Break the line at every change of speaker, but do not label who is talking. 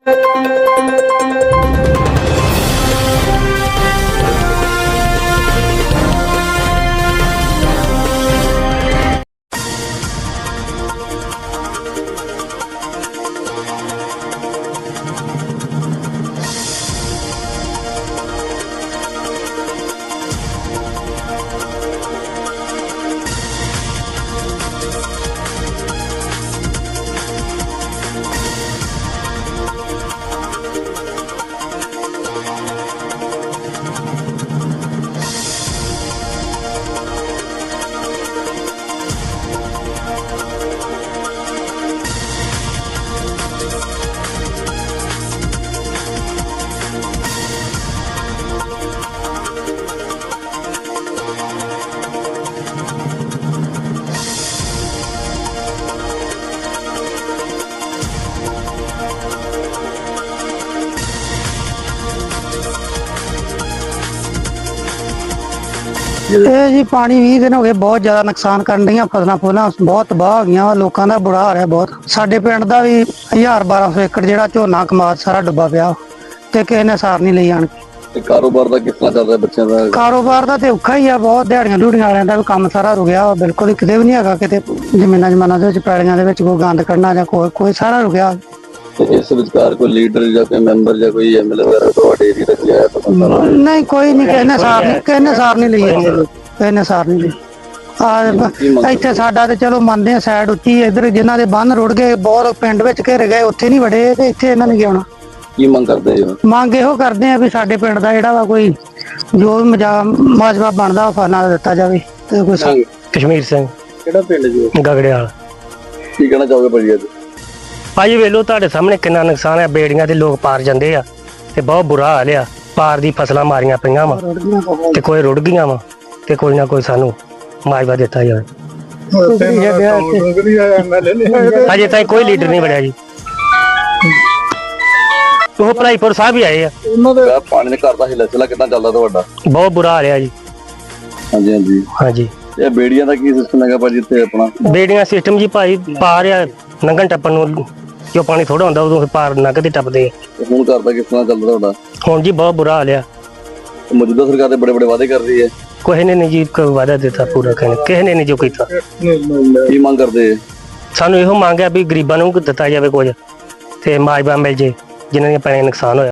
ਇਹ ਜੀ ਪਾਣੀ 20 ਦਿਨ ਹੋ ਗਏ, ਬਹੁਤ ਜ਼ਿਆਦਾ ਨੁਕਸਾਨ ਕਰਨ ਦੀਆਂ ਫਸਲਾਂ ਬਹੁਤ ਤਬਾਹ ਹੋ ਗਈਆਂ। ਲੋਕਾਂ ਦਾ ਬੁਰਾ ਹਾਲ ਹੈ ਬਹੁਤ। ਸਾਡੇ ਪਿੰਡ ਦਾ ਵੀ 1200 ਏਕੜ ਜਿਹੜਾ ਝੋਨਾ ਕਮਾਦ ਸਾਰਾ ਡੁੱਬਾ ਪਿਆ ਤੇ ਕਿਸੇ ਨੇ ਸਾਰ ਨਹੀਂ ਲਈ ਆਣ ਕੇ।
ਕਾਰੋਬਾਰ ਦਾ ਕਿਸ ਤਰ੍ਹਾਂ ਚੱਲਦਾ ਬੱਚਿਆਂ ਦਾ?
ਕਾਰੋਬਾਰ ਦਾ ਤੇ ਔਖਾ ਹੀ ਆ ਬਹੁਤ। ਦਿਹਾੜੀਆਂ ਡੂੜੀਆਂ ਵਾਲਿਆਂ ਦਾ ਵੀ ਕੰਮ ਸਾਰਾ ਰੁਕਿਆ, ਬਿਲਕੁਲ ਹੀ ਕਿਤੇ ਵੀ ਨਹੀਂ ਹੈਗਾ। ਕਿਤੇ ਜ਼ਮੀਨਾਂ ਦੇ ਵਿੱਚ ਪੈਲੀਆਂ ਦੇ ਵਿੱਚ ਕੋਈ ਗੰਦ ਕੱਢਣਾ ਜਾਂ ਕੋਈ ਸਾਰਾ ਰੁਕਿਆ।
ਇਸ ਵਿਚਕਾਰ ਕੋਈ ਲੀਡਰ ਜਾਂ ਕੋਈ ਮੈਂਬਰ ਜਾਂ ਕੋਈ ਐਮਐਲਏ ਵਗੈਰਾ ਤੁਹਾਡੇ ਏਰੀਆ ਦਾ ਆਇਆ ਤਾਂ
ਨਹੀਂ, ਕੋਈ ਨਹੀਂ। ਕਿਸੇ ਨੇ ਸਾਰ ਨਹੀਂ ਲਈ। ਕਿਸੇ ਨੇ ਸਾਰ ਨਹੀਂ ਲਈ। ਇੱਥੇ ਸਾਡਾ ਤੇ ਚਲੋ ਮੰਨਦੇ ਆ ਸਾਈਡ ਉੱਚੀ, ਇੱਧਰ ਜਿਨ੍ਹਾਂ ਦੇ ਬੰਨ ਰੁੜ ਗਏ, ਬਹੁਤ ਪਿੰਡ ਵਿੱਚ ਘਿਰ ਗਏ, ਉੱਥੇ ਨਹੀਂ ਵੜੇ ਤੇ ਇੱਥੇ ਇਹਨਾਂ ਨੇ ਕੀ ਆਉਣਾ।
ਕੀ ਮੰਗ ਕਰਦੇ ਹੋ?
ਮੰਗ ਇਹੋ ਕਰਦੇ ਆ ਵੀ ਸਾਡੇ ਪਿੰਡ ਦਾ ਜਿਹੜਾ ਵਾ ਕੋਈ ਜੋ ਵੀ ਮਾਜਵਾ ਬਣਦਾ ਫਾਨਾ ਦਿੱਤਾ ਜਾਵੇ ਤੇ ਕੋਈ।
ਕਸ਼ਮੀਰ ਸਿੰਘ।
ਕਿਹੜਾ ਪਿੰਡ ਜੀ?
ਗਗੜਿਆਲ।
ਕੀ ਕਹਿਣਾ ਚਾਹੋਗੇ ਭਾਜੀ ਅੱਜ?
ਭਾਜੀ ਵੇਲੋ ਤੁਹਾਡੇ ਸਾਹਮਣੇ ਕਿੰਨਾ ਨੁਕਸਾਨ ਹੈ। ਬੇੜੀਆਂ ਦੇ ਲੋਕ ਪਾਰ ਜਾਂਦੇ ਆ ਤੇ ਬਹੁਤ ਬੁਰਾ ਹਾਲ ਆ। ਪਾਰ ਦੀ ਫਸਲਾਂ ਮਾਰੀਆਂ ਪਈਆਂ ਵਾ ਤੇ ਕੋਈ ਰੁੜ ਗਈਆਂ ਵਾ ਤੇ ਕੋਈ ਨਾ ਕੋਈ ਸਾਨੂੰ ਮਾਜਵਾ ਦਿੱਤਾ ਜਾਵੇ। ਅਜੇ ਤਾਈਂ ਕੋਈ ਲੀਡਰ ਨਹੀਂ ਬਣਿਆ ਜੀ। ਉਹ ਭਲਾਈਪੁਰ ਸਾਹਿਬ ਹੀ ਆਏ ਆ।
ਪਾਣੀ ਦੇ ਘਰ ਦਾ ਹਿਲਚਲਾ ਕਿੱਦਾਂ ਚੱਲਦਾ ਤੁਹਾਡਾ?
ਬਹੁਤ ਬੁਰਾ ਹਾਲ ਆ ਜੀ।
ਹਾਂਜੀ ਹਾਂਜੀ
ਹਾਂਜੀ।
ਇਹ ਬੇੜੀਆਂ ਦਾ ਕੀ ਸਿਸਟਮ ਹੈਗਾ ਭਾਜੀ ਇੱਥੇ ਆਪਣਾ?
ਬੇੜੀਆਂ ਸਿਸਟਮ ਜੀ ਭਾਈ ਪਾਰ ਆ ਲੰਘਣ ਟੱਪਣ ਨੂੰ, ਜੋ ਪਾਣੀ ਥੋੜਾ ਹੁੰਦਾ ਉਦੋਂ ਪਾਰ ਲੰਘਦੇ ਟੱਪਦੇ ਆ।
ਹੁਣ ਘਰ ਦਾ ਕਿਸ ਤਰ੍ਹਾਂ ਚੱਲਦਾ ਤੁਹਾਡਾ?
ਹੁਣ ਜੀ ਬਹੁਤ ਬੁਰਾ ਹਾਲ ਆ।
ਮੌਜੂਦਾ ਸਰਕਾਰ ਦੇ ਬੜੇ ਵਾਅਦੇ ਕਰ ਰਹੀ ਹੈ।
ਕਿਸੇ ਨੇ ਨਹੀਂ ਜੀ ਕੋਈ ਵਾਅਦਾ ਦਿੱਤਾ ਪੂਰਾ, ਕਿਸੇ ਨੇ ਨਹੀਂ ਜੋ ਕੀਤਾ।
ਕੀ ਮੰਗ ਕਰਦੇ?
ਸਾਨੂੰ ਇਹੋ ਮੰਗ ਆ ਵੀ ਗਰੀਬਾਂ ਨੂੰ ਦਿੱਤਾ ਜਾਵੇ ਕੁਝ ਤੇ ਮਾਜਵਾ ਮਿਲ ਜੇ ਜਿਨ੍ਹਾਂ ਦੀਆਂ ਪੈਲੀਆਂ ਨੁਕਸਾਨ ਹੋਇਆ।